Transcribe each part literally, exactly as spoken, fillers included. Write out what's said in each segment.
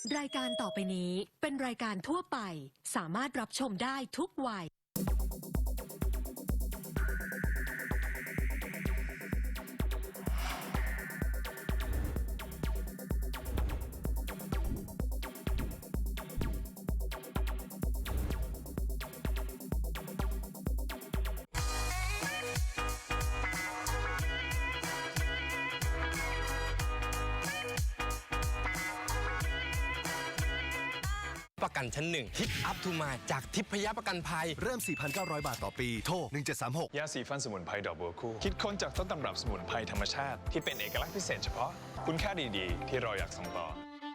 รายการต่อไปนี้เป็นรายการทั่วไปสามารถรับชมได้ทุกวัยประกันชั้นหนึ่งฮิตอัพทูมาจากทิพยประกันภัยเริ่ม สี่พันเก้าร้อย บาทต่อปี โทร หนึ่งเจ็ดสามหกยาสีฟันสมุนไพรดอกบัวคู่คิดค้นจากต้นตำรับสมุนไพรธรรมชาติที่เป็นเอกลักษณ์พิเศษเฉพาะคุณค่าดีๆ ที่เราอยากส่งต่อ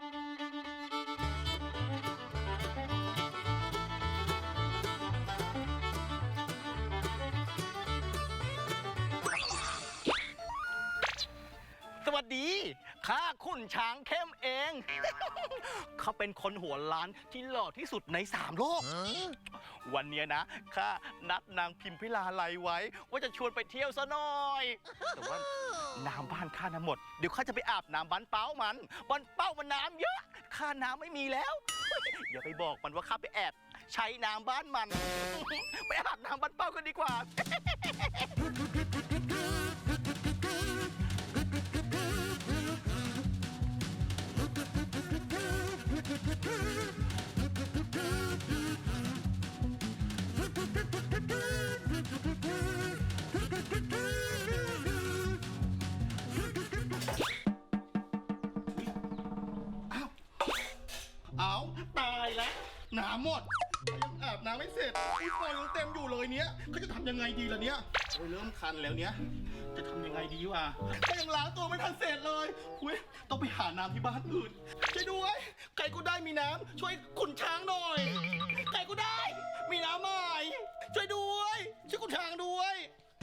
สวัสดีข้าขุนช้างเข้มเอง เขาเป็นคนหัวล้านที่หล่อที่สุดในสามโลก วันนี้นะข้านัดนางพิมพิลาไลไว้ ว่าจะชวนไปเที่ยวซะหน่อย แต่ว่าน้ำบ้านข้าน้ำหมดเดี๋ยวข้าจะไปอาบน้ำบ้านเป้ามันบ้านเป้ามันน้ำเยอะข้าน้ำไม่มีแล้ว อย่าไปบอกมันว่าข้าไปแอบใช้น้ำบ้านมัน ไปอาบน้ำบ้านเป้ากันดีกว่า เอาตายแล้วน้ำหมดยังอาบน้ำไม่เสร็จอุ้ยฟอยยังเต็มอยู่เลยเนี้ยเขาจะทำยังไงดีล่ะเนี้ยโอ้ยเริ่มคันแล้วเนี้ยจะทำยังไงดีวะก็ยังล้างตัวไม่ทันเสร็จเลยอุ้ยต้องไปหาน้ำที่บ้านอื่นช่วยด้วยใครก็ได้มีน้ำช่วยขุนช้างหน่อยใครก็ได้มีน้ำใหม่ช่วยด้วยช่วยขุนช้างด้วย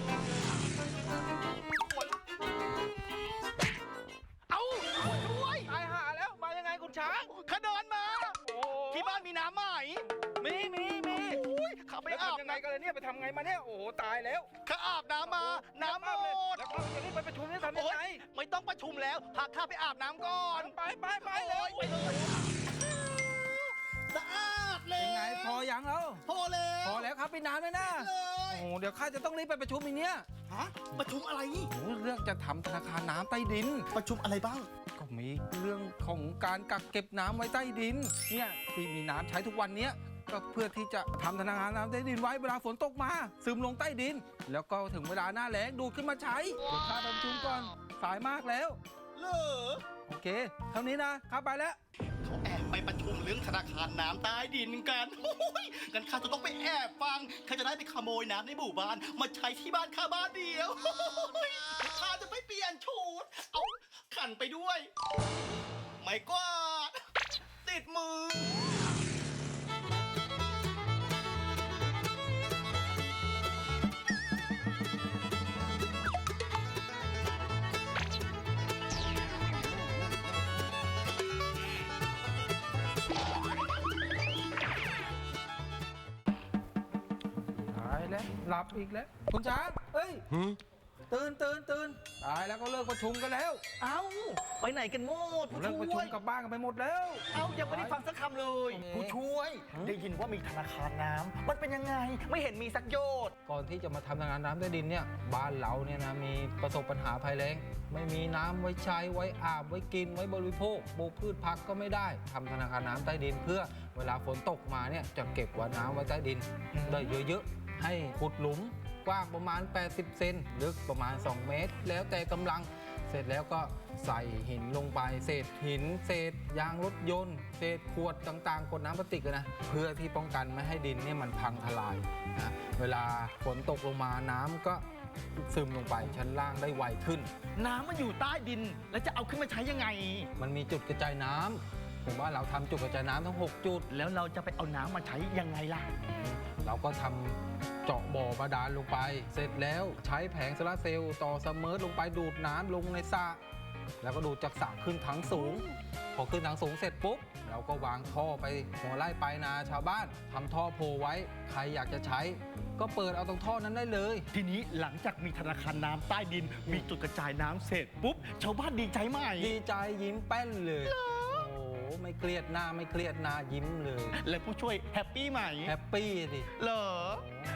เอาด้วยตายหาแล้วมายังไงขุนช้างข้าเดินมาที่บ้านมีน้ำใหม่มีมีมีข้าไปอาบยังไงกันเลยเนี่ยไปทำไงมาเนี่ยโอ้โหตายแล้วข้าอาบน้ำมาน้ำหมดแล้วเราจะรีบไปประชุมนี่ทำยังไงไม่ต้องประชุมแล้วพาข้าไปอาบน้ำก่อนไปไปไปเลยไปเลยสะอาดเลยยังไงพอยังแล้วพอแล้วพอแล้วครับพี่น้ำเลยนะโอ้โหเดี๋ยวข้าจะต้องรีบไปประชุมอีกเนี้ยฮะประชุมอะไรนี่โอ้เรื่องจะทำธนาคารน้ำใต้ดินประชุมอะไรบ้างก็มีเรื่องของการกักเก็บน้ำไว้ใต้ดินเนี่ยที่มีน้ำใช้ทุกวันเนี้ยก็เพื่อที่จะทำธนาคารน้ำใต้ดินไว้เวลาฝนตกมาซึมลงใต้ดินแล้วก็ถึงเวลาหน้าแล้งดูดขึ้นมาใช้เดี๋ยวข้าไปประชุมก่อนสายมากแล้วเหรอโอเคเท่านี้นะข้าไปแล้วเขาแอบไปประชุมเรื่องธนาคารน้ำใต้ดินกันกันข้าจะต้องไปแอบฟังข้าจะได้ไปขโมยน้ำในหมู่บ้านมาใช้ที่บ้านข้าบ้านเดียวข้าจะไปเปลี่ยนชุดเอาขันไปด้วยไม่กวาดติดมือแล้วหลับอีกแล้วคุณช้างเอ้ยตื่นตื่นตื่นตายแล้วก็เลิกประชุมกันแล้วเอ้าไปไหนกันหมดเลิกประชุมกลับบ้านกันไปหมดแล้วเอ้ายังไม่ได้ฟังสักคำเลยผู้ช่วยได้ยินว่ามีธนาคารน้ำมันเป็นยังไงไม่เห็นมีสักโยชน์ก่อนที่จะมาทำธนาคารน้ำใต้ดินเนี่ยบ้านเราเนี่ยนะมีประสบปัญหาภัยแล้งไม่มีน้ำไว้ใช้ไว้อาบไว้กินไว้บริโภคปลูกพืชผักก็ไม่ได้ทำธนาคารน้ำใต้ดินเพื่อเวลาฝนตกมาเนี่ยจะเก็บไว้น้ำไว้ใต้ดินได้เยอะๆให้ขุดหลุมกว้างประมาณแปดสิบเซนลึกประมาณสองเมตรแล้วแต่กำลังเสร็จแล้วก็ใส่หินลงไปเศษหินเศษยางรถยนต์เศษขวดต่างๆขวดน้ำพลาสติกนะเพื่อที่ป้องกันไม่ให้ดินเนี่ยมันพังทลายนะเวลาฝนตกลงมาน้ำก็ซึมลงไปชั้นล่างได้ไวขึ้นน้ำมันอยู่ใต้ดินแล้วจะเอาขึ้นมาใช้ยังไงมันมีจุดกระจายน้ำผมว่าเราทำจุดกระจายน้ำทั้งหกจุดแล้วเราจะไปเอาน้ำมาใช้ยังไงล่ะเราก็ทำเจาะบ่อบาดาลลงไปเสร็จแล้วใช้แผงโซลาร์เซลล์ต่อเสมอลงไปดูดน้ำลงในสระแล้วก็ดูดจากสระขึ้นถังสูงพอขึ้นถังสูงเสร็จปุ๊บเราก็วางท่อไปหัวไร่ปลายนาชาวบ้านทำท่อโพไว้ใครอยากจะใช้ก็เปิดเอาตรงท่อนั้นได้เลยทีนี้หลังจากมีธนาคารน้ำใต้ดินมีจุดกระจายน้ำเสร็จปุ๊บชาวบ้านดีใจไหมดีใจยิ้มแป้นเลยโอ้ไม่เครียดหน้าไม่เครียดหน้ายิ้มเลยและผู้ช่วยแฮปปี้ไหมแฮปปี้สิเหรอโอ้